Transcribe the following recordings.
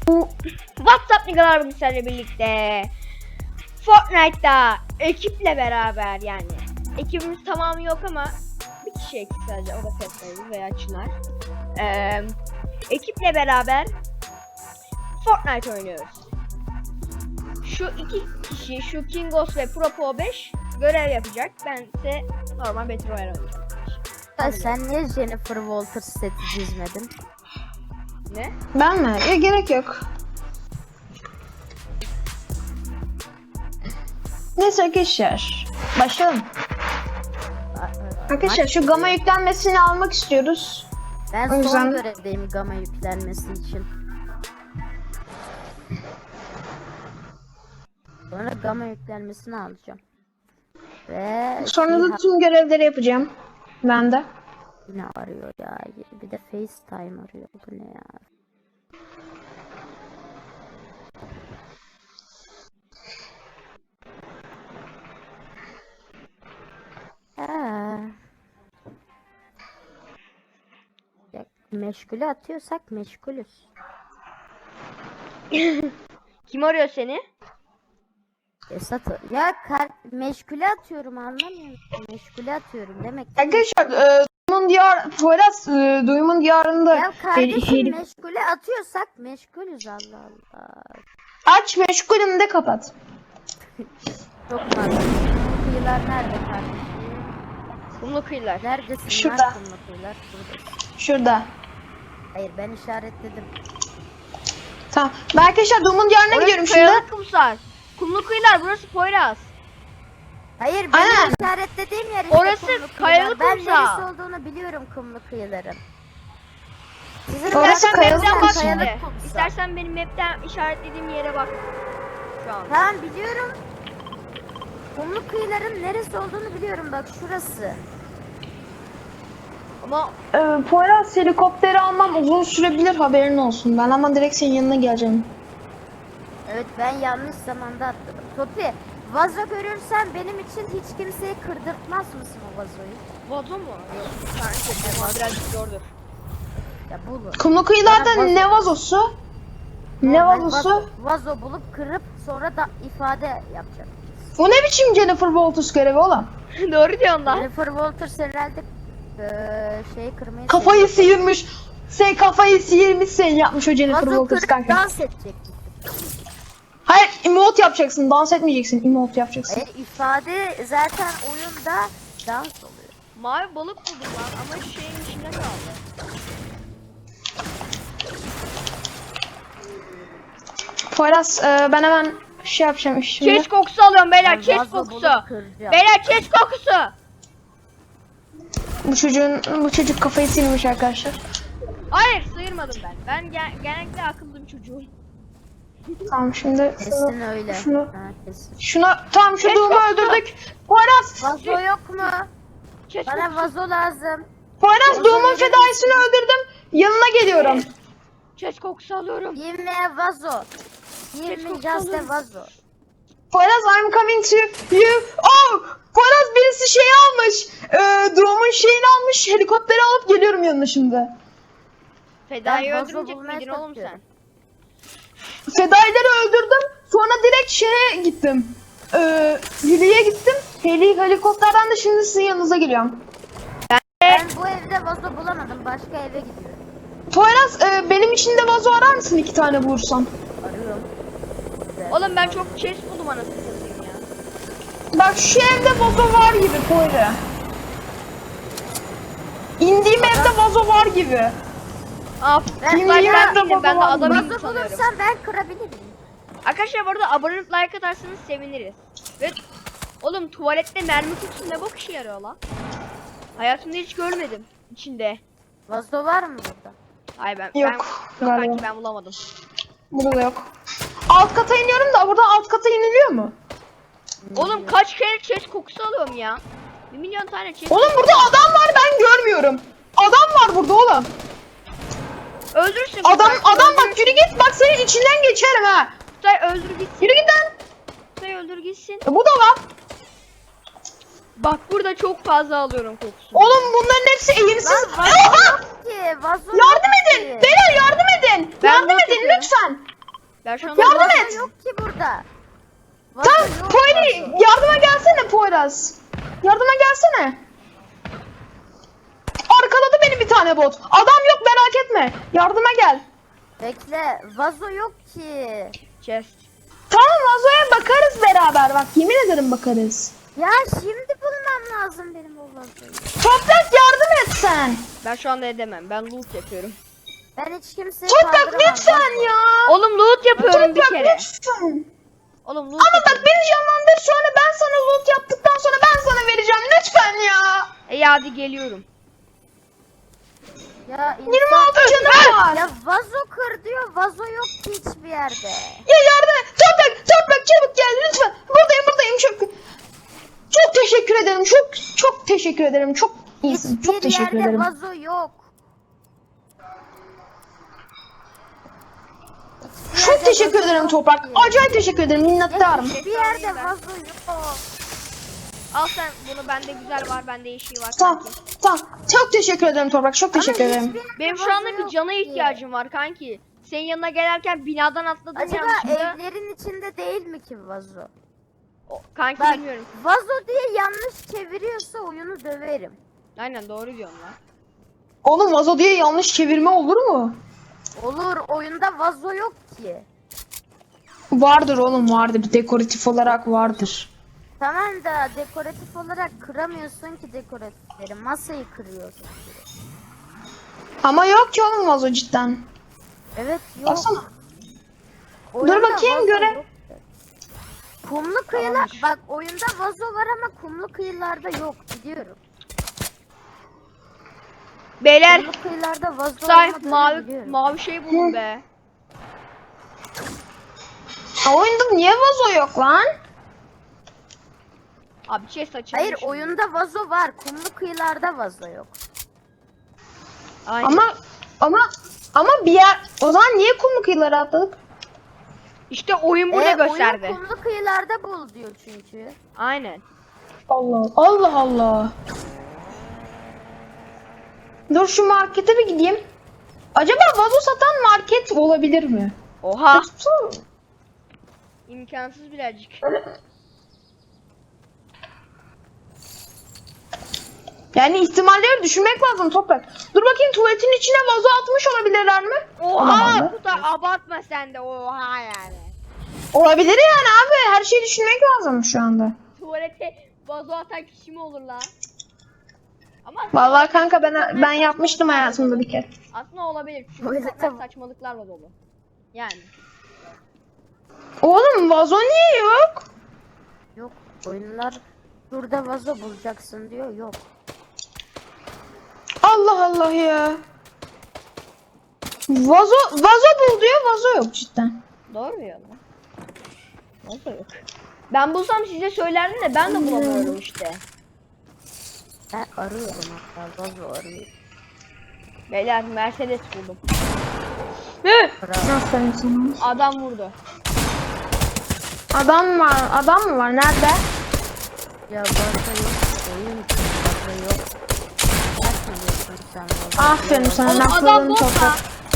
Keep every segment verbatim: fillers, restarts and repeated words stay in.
WhatsApp Niggalar bilgisayarla birlikte Fortnite'da ekiple beraber, yani ekibimiz tamamı yok ama bir kişi eksik sadece, o da Fetta'ydı veya Çınar. Ee, ekiple beraber Fortnite oynuyoruz. Şu iki kişi, şu Kingos ve Propo beş görev yapacak. Ben ise normal Battle Royale oynayacağım. Ya sen niye Jennifer Walters seti çizmedin? Ne? Ben mi? Ya gerek yok. Neyse arkadaşlar, başlayalım. Arkadaşlar şu gamma yüklenmesini almak istiyoruz. Ben O son yüzden- görevdeyim gamma yüklenmesi için. Sonra gamma yüklenmesini alacağım. Ve Sonra da Cihan tüm görevleri yapacağım. Ben de. yine arıyor ya. Bir de FaceTime arıyor. Bu ne ya? Ha. Ya, meşgule atıyorsak meşgulüz. Kim arıyor seni? Esat ya kar meşgule atıyorum, anlamıyor musun? Meşgule atıyorum demek ki. Arkadaşlar e, Duyumun diyar, Poyraz e, Duyumun diyarında Ya kardeşim Heri- meşgule atıyorsak meşgulüz, Allah Allah. aç meşgulüm de kapat. Çok fazla. Kıyılar nerede kardeşim? Kumlu kıyılar. Neredesin? Şurada. Nerede kumlu kıyılar? Burada. Şurada. Hayır, ben işaretledim. Tamam. Ben arkadaşlar Duyumun diyarına gidiyorum Orası şimdi. kayalık kumsal. Kumlu kıyılar, burası Poyraz. Hayır, benim Aynen. işaretlediğim yer işte Orası kumlu kıyılar. kayalık Ben kumsal. neresi olduğunu biliyorum kumlu kıyıların. Sizin Orası İstersen kayalık map'ten bak kumsal. şimdi. kayalık kumsal. İstersen benim map'ten işaretlediğim yere bak. Şu an. Tamam, biliyorum. Kumlu kıyıların neresi olduğunu biliyorum, bak şurası. Ama Ee, Poyraz helikopteri almam uzun sürebilir, haberin olsun. Ben ama direkt senin yanına geleceğim. Evet, ben yanlış zamanda atladım. Topi, vazo görürsen benim için hiç kimseyi kırdırtmaz mısın o vazoyu? vazo mu? Yok. Sanki ama birazcık zordur. Ya bulur. Kumlu kıyılarda Bana vazo- ne vazosu? Ne Normal vazosu? Vazo, vazo bulup kırıp sonra da ifade yapacak. Bu ne biçim Jennifer Walters görevi oğlum? Doğru diyorsun lan. Jennifer Walters herhalde eee şeyi kırmayı Kafayı seviyor. sıyırmış. Sen kafayı sıyırmış, sen yapmış o Jennifer Vazo Walters kırıp kanka. dans edecek. Hayır, emote yapacaksın, dans etmeyeceksin, emote yapacaksın. Hayır, ifade zaten oyunda dans oluyor. Mavi balık buldum lan ama şeyin içinde kaldı. Poyraz, e, ben hemen şey yapacağım şimdi. Chest kokusu alıyorum beyler, Ben chest vazo kokusu. bulup kıracağım. Beyler chest kokusu. Bu çocuğun, bu çocuk kafayı sıyırmış arkadaşlar. Hayır, sıyırmadım ben. Ben gen genellikle akıllı bir çocuğum. Tamam şimdi Kesin öyle. şunu, Ha, kesin. şuna, tamam şu Kes doğumu kokusu. öldürdük. Poyraz, Vazo yok mu? Chest Bana kokusu. vazo lazım. Poyraz doğumun fedaisini öldürdüm. Yanına geliyorum. Chest kokusu alıyorum. Give me a vazo. Give Kes me kokusu just a alıyorum. vazo. Poyraz, I'm coming to you. Oh! Poyraz birisi şey almış. Ee, doğumun şeyini almış. Helikopteri alıp geliyorum yanına şimdi. Feda'yı Ben vazo öldürmeyecek bulmaya miydin oğlum sen? çalışıyorum. Fedaileri öldürdüm. Sonra direkt şeye gittim. Ee, Heli'ye gittim. Heli helikopterden de şimdi sizin yanınıza geliyorum. Ben bu evde vazo bulamadım. Başka eve gidiyorum. Poyraz, e, benim için de vazo arar mısın, iki tane bulursam? Arıyorum. Oğlum ben çok chest buldum anasını satayım ya. Bak şu evde vazo var gibi Poyraz. İndiğim evde vazo var gibi. Aa, Ben- ben, ben- ben, ben- ben, ben de ben- adam Vazo indim sanıyorum. bulursam ben kırabilirim. Arkadaşlar bu arada abone olup like atarsanız seviniriz. Ve oğlum tuvalette mermi kutusu ne bok işe yarıyor lan? Hayatımda hiç görmedim içinde. Vazo var mı burada? Ay ben Yok, ben yok galiba. kanki ben bulamadım. Burada da yok. Alt kata iniyorum da burada alt kata iniliyor mu? Oğlum kaç kere chest kokusu alıyorum ya. Bir milyon tane chest. Oğlum burada adam var, ben görmüyorum. Adam var burada oğlum. Öldürsün. Adam Kutay, adam bak, öldürsün. yürü git, bak senin içinden geçerim ha. Kutay öldür gitsin. Yürü git lan. Kutay öldür gitsin. E, bu da var. Bak burada çok fazla alıyorum kokusunu. Oğlum bunların hepsi eğimsiz. Lan vazo Oha! yok ki. Vazo Yardım yok edin. ki. Beyler yardım edin. Ben yardım bunu edin yapıyorum. lütfen. Ben şu anda Yardım vazo- et. Yok ki burada. Vazo Tamam yok, Poyri vazo. yardıma gelsene Poyraz. Yardıma gelsene. Arkaladı beni bir tane bot. Adam yok merak etme. Yardıma gel. Bekle, vazo yok ki. Chest. Tamam vazoya bakarız beraber bak yemin ederim bakarız. Ya şimdi bulmam lazım benim o vazoyu. Toprak yardım et sen. Ben şu anda edemem. Ben loot yapıyorum. Ben hiç kimseye Toprak kaldıramam. lütfen vazo. ya. Oğlum loot yapıyorum bir Toprak kere. lütfen. Oğlum loot Ama bak yapıyorum. beni canlandır sonra ben sana loot yaptıktan sonra ben sana vereceğim lütfen ya. İyi hadi geliyorum. Ya yirmi insan... altı canım var. Ya vazo kır diyor, vazo yok ki hiçbir yerde. Ya yardım et. Toprak, toprak çabuk gel lütfen. Buradayım buradayım çok. Çok teşekkür ederim. Çok çok teşekkür ederim. Çok iyisin. Çok Hiçbir teşekkür yerde ederim. vazo yok. Hiçbir Çok yerde teşekkür vazo ederim yok Toprak. ki. Acayip teşekkür ederim. Minnettarım. Hiçbir yerde vazo yok. Al sen bunu, bende güzel var, bende yeşil var. Tamam. kanki. Tamam. Çok teşekkür ederim Toprak. Çok teşekkür Ama ederim. hiçbir yerde Benim şu vazo anda bir yok cana ki. ihtiyacım var kanki. Senin yanına gelirken binadan atladım Acaba yanlışlıkla. evlerin içinde değil mi ki vazo? O- Kanki Bak, bilmiyorum. vazo diye yanlış çeviriyorsa oyunu döverim. Aynen doğru diyorsun lan. Oğlum vazo diye yanlış çevirme olur mu? Olur, oyunda vazo yok ki. Vardır oğlum vardır. Dekoratif olarak vardır. Tamam da dekoratif olarak kıramıyorsun ki dekoratifleri. Masayı kırıyorsun. Ama yok ki oğlum vazo cidden. Evet yok. Baksana. Oyunda bakayım, vazo göre. yok. Kumlu kıyılar, Tamamdır. bak oyunda vazo var ama kumlu kıyılarda yok, biliyorum. Beyler Kumlu kıyılarda vazo say olmadığını mavi biliyorum. mavi şey buldum be. Ha, oyunda niye vazo yok lan? Abi chest açılmış. Hayır, oyunda vazo var, kumlu kıyılarda vazo yok. Aynen. Ama ama ama bir yer o zaman niye kumlu kıyılara atladık? İşte oyun burada Ee, gösterdi. Oyun kumlu kıyılarda bul diyor çünkü. Aynen. Allah Allah Allah. Dur şu markete bir gideyim. Acaba vazo satan market olabilir mi? Oha. Yoksa- İmkansız birazcık. Yani ihtimalleri düşünmek lazım Toprak. Dur bakayım tuvaletin içine vazo atmış olabilirler mi? Oha Olamaz. bu da abartma sen de, oha yani. Olabilir yani abi. Her şeyi düşünmek lazım şu anda. Tuvalete vazo atan kişi mi olur la? Ama Vallahi kanka ben ben yapmıştım hayatımda bir kere. aslında olabilir. Çünkü Tuvalete- sokak saçmalıklarla dolu. Yani. Oğlum vazo niye yok? Yok, oyunlar burada vazo bulacaksın diyor, yok. Allah Allah ya. Vazo vazo bul diyor, vazo yok cidden. Doğru mu ya lan? Nasıl yok? Ben bulsam size söylerdim de ben de bulamıyorum işte. Ben arıyorum hatta, vazo arıyorum. Beyler Mercedes buldum. Hı! Bravo. Aferin sana. Adam vurdu. Adam var, adam mı var? Nerede? Ya vazo yok, oyun için vazo yok. Nasıl diyorsun sen vazo? Aferin sana. Oğlum lafladın adam bot Toprak. lan.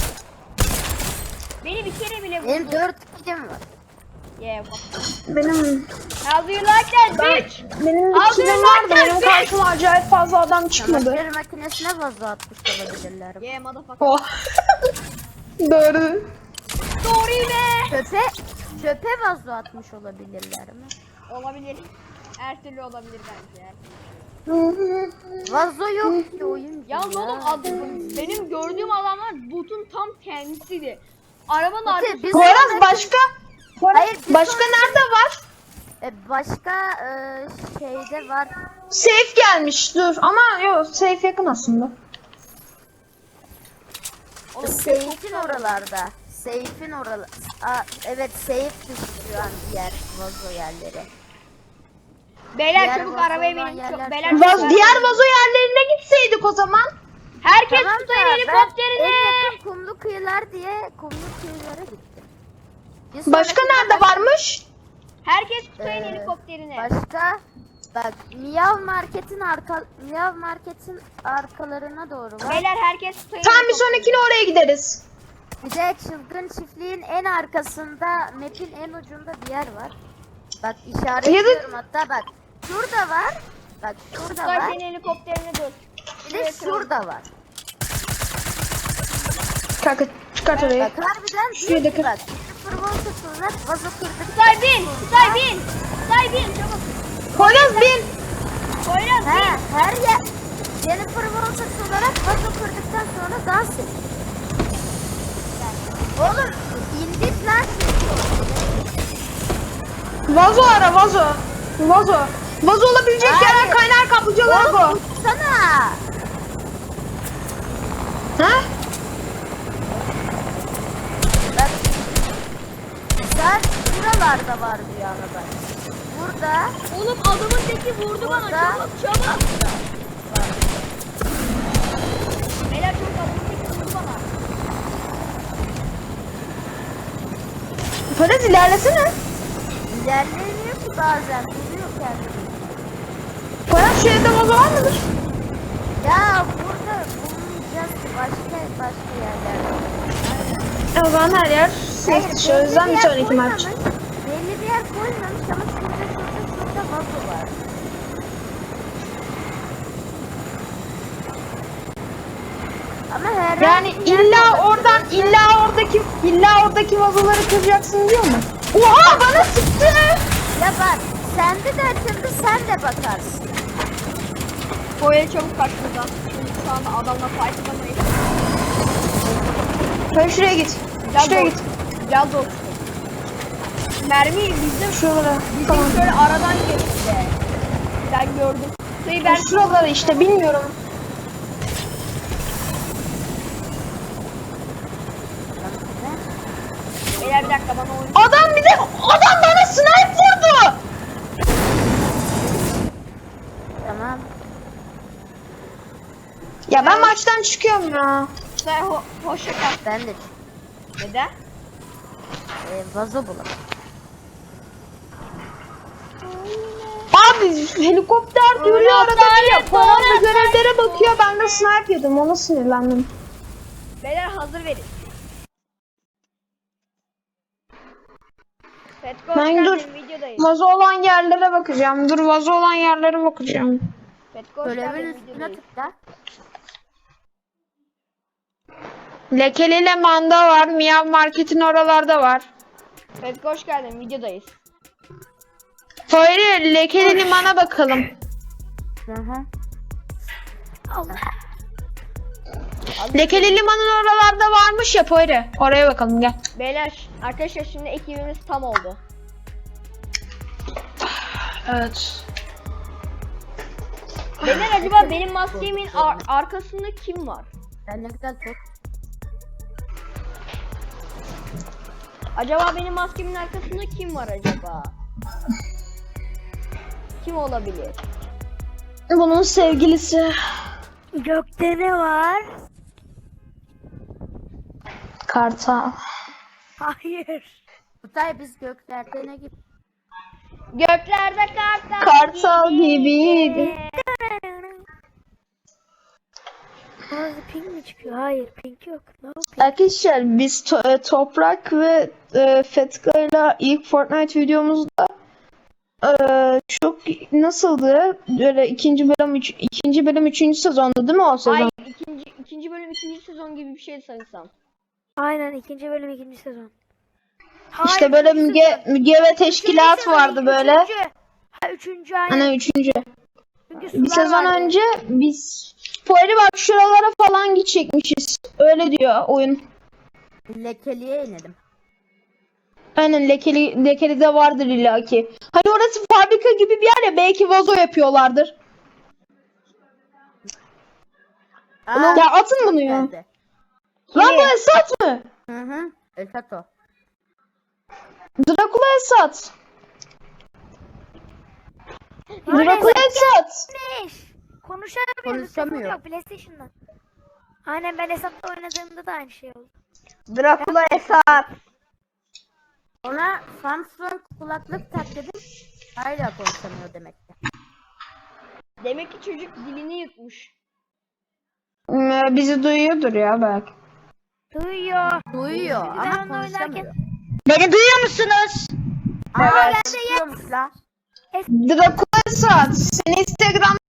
Beni bir kere bile Benim vurdu. dört kilim var. Yeah, what? Benim How do you like that bitch? benim Abi, bir kilim ben vardı. Benim sen- karşıma acayip fazla adam çıkmadı. Çamaşır makinesine vazo atmış olabilirler. Yeah motherfucker. Oh. Doğru. Doğru be. Çöpe, çöpe vazo atmış olabilirler mi? Olabilir. Her türlü olabilir bence. Her türlü. Vazo yok ki oyun. Yalnız oğlum adım, benim gördüğüm adamlar botun tam kendisiydi. Arabanın arkasında. biz- Poyraz başka? Poyraz, Hayır, bir başka sonraki- nerede var? E, başka e, şeyde var. Safe gelmiş. Dur ama yok safe yakın aslında. Oğlum, Seyf'in oralarda. Seyf'in oralar. Aa, evet, Seyf düşüyor an diğer vazo yerleri. Beyler Diğer çabuk vazo arabaya olan binin. yerler Çok- Beyler çok- Vaz, çabuk diğer arabaya vazo yerlerine gitseydik o zaman. binin. Herkes Tamam da tutayın ben helikopterini. en yakın kumlu kıyılar diye kumlu kıyılara gittim. Bir Başka sonrakinde nerede baş- varmış? Herkes tutayın Ee, helikopterini. Başka bak, Miyav Market'in arka Miyav Market'in arkalarına doğru var. Beyler herkes tutayın Tamam bir helikopterini. sonrakine oraya gideriz. Bir de çılgın çiftliğin en arkasında, map'in en ucunda bir yer var. Bak işaretliyorum hatta bak. Şurada var. Bak şurada Kutay var. senin helikopterini dur. Bir de şurada var. Kanka çıkart orayı. Bak harbiden Şuraya değil da ki bak. Sıfır volt olarak vazo kırdık. Kutay bin. Kutay bin. Kutay bin. Çabuk. Poyraz bin. Poyraz He bin. her yer. Jennifer Walters olarak vazo kırdıktan sonra dans et. Oğlum indik lan. Vazo ara vazo. Vazo. Vazo olabilecek Hayır. yerler kaynar kaplıcalar Oğlum bu. uçsana. Ha? Bak. Sen buralarda var bir araba. Burada. Oğlum adamın teki vurdu bana. Burada. Çabuk çabuk. Beyler çabuk adamın teki vurdu bana. Poyraz ilerlesene. İlerlemiyor ki bazen. Duruyor kendini. Poyraz şu evde vazo var mıdır? Ya burada bulmayacağız ki başka başka yerlerde. O zaman her yer Hayır, safe dışı. O yüzden bir yer sonraki maç. koymamış, belli bir yer koymamış ama şurada şurada şurada vazo var. Ama her Yani illa oradan illa oradaki illa oradaki vazoları kıracaksın diyor mu? Oha bana sıktı. Ya bak sende de açıldı sen de bakarsın. Poyraz çabuk kaç buradan. Çünkü şu anda adamla fight atamayız. Sen şuraya git. Gel Şuraya dost. git. Gel dostum. Mermi bizim Şuralara. bizim Tamam. şöyle aradan geçti. Ben gördüm. Sayı ben Şuralara işte bilmiyorum. Beyler bir dakika bana oyun. Adam bir de adam bana snipe vurdu. Tamam. Ya ben maçtan çıkıyorum ya. Say ho hoşça kal. Ben de Neden? e, vazo bulalım. Abi helikopter duruyor Ulan arada bir ya. lanet Poyraz olsun. görevlere bakıyor. Ben de snipe yedim. Ona sinirlendim. Beyler hazır verin. Petko hoş Ben dur. geldin videodayız. Vazo olan yerlere bakacağım. Dur vazo olan yerlere bakacağım. Petko hoş Görevin geldin üstüne videodayız. tıkla. Lekeli Leman'da var. Miyav Market'in oralarda var. Petko hoş geldin videodayız. Hayır, Lekeli Liman'a bakalım. Hı hı. Allah. Lekeli Liman'ın oralarda varmış ya Poyri. Oraya bakalım gel. Beyler arkadaşlar şimdi ekibimiz tam oldu. Evet. Beyler acaba benim maskemin ar- arkasında kim var? Ben ne güzel çok. Acaba benim maskemin arkasında kim var acaba? Kim olabilir? Bunun sevgilisi. Gökte ne var? Kartal. Hayır. Kutay biz göklerde ne gibi? Göklerde kartal. Kartal gibiydi. Bazı pink mi çıkıyor? Hayır pink yok. Ne yapayım? Arkadaşlar biz to- e, Toprak ve e, Fetka'yla ilk Fortnite videomuzda e, çok nasıldı? Böyle ikinci bölüm üç, ikinci bölüm üçüncü sezonda değil mi o sezon? Hayır ikinci, ikinci bölüm ikinci sezon gibi bir şeydi sanırsam. Aynen ikinci bölüm ikinci sezon. İşte böyle Müge, Müge ve teşkilat vardı böyle. Üçüncü. Ha üçüncü aynen. Hani üçüncü. Çünkü Bir sular sezon vardı. önce biz Poyri bak şuralara falan gidecekmişiz. Öyle diyor oyun. Lekeliye inelim. Aynen lekeli, lekeli de vardır illaki. Hani orası fabrika gibi bir yer ya belki vazo yapıyorlardır. Aa, Ya atın bunu ya. geldi. Lan bu Esat mı? Hı hı. Esat o. Dracula Esat. Lan Dracula Esat. Esat'mış. Konuşamıyor. Konuşamıyor. Yok PlayStation'dan. Aynen ben Esat'la oynadığımda da aynı şey oldu. Dracula Esat. Ona Samsung kulaklık tak dedim. Hala konuşamıyor demek ki. Demek ki çocuk dilini yutmuş. Hmm, bizi duyuyordur ya belki. Duyuyor. Duyuyor Ben ama onu konuşamıyor. oynarken- Beni duyuyor musunuz? Aa Evet. konuşuyormuş la. Dracula Saat. Seni Instagram'dan